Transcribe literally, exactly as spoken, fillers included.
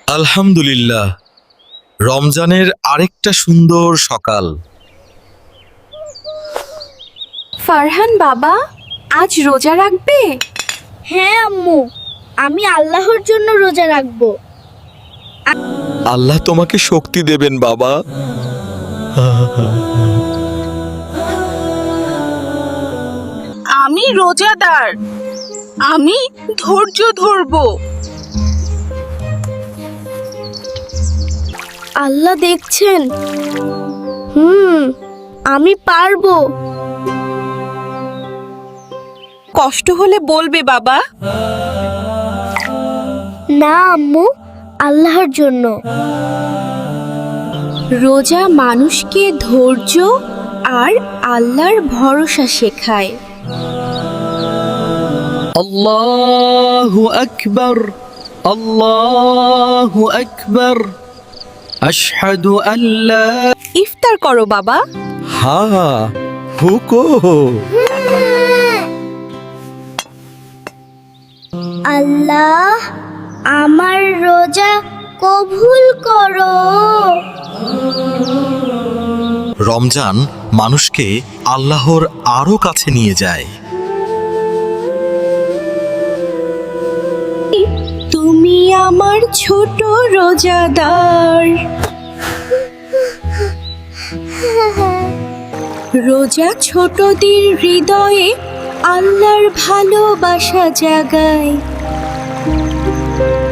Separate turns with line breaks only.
আলহামদুলিল্লাহ, রমজানের আরেকটা সুন্দর সকাল।
ফারহান বাবা, আজ রোজা রাখবে?
হ্যাঁ আম্মু, আমি আল্লাহর জন্য রোজা রাখবো।
আল্লাহ তোমাকে শক্তি দেবেন বাবা।
আমি রোজাদার, আমি ধৈর্য ধরবো।
আল্লাহ দেখছেন। হুম, আমি পারবো।
কষ্ট হলে বলবে বাবা।
না আম্মু, আল্লাহর জন্য।
রোজা মানুষকে ধৈর্য আর আল্লাহর ভরসা শেখায়।
আল্লাহু আকবার, আল্লাহু আকবার, আশহাদু আল্লা।
ইফতার করো বাবা।
হা হুকো।
আল্লাহ, আমার রোজা কবুল করো।
রমজান মানুষকে আল্লাহর আরো কাছে নিয়ে যায়।
তুমি আমার ছোট রোজাদার। রোজা ছোটদের হৃদয়ে আল্লাহর ভালোবাসা জাগায়।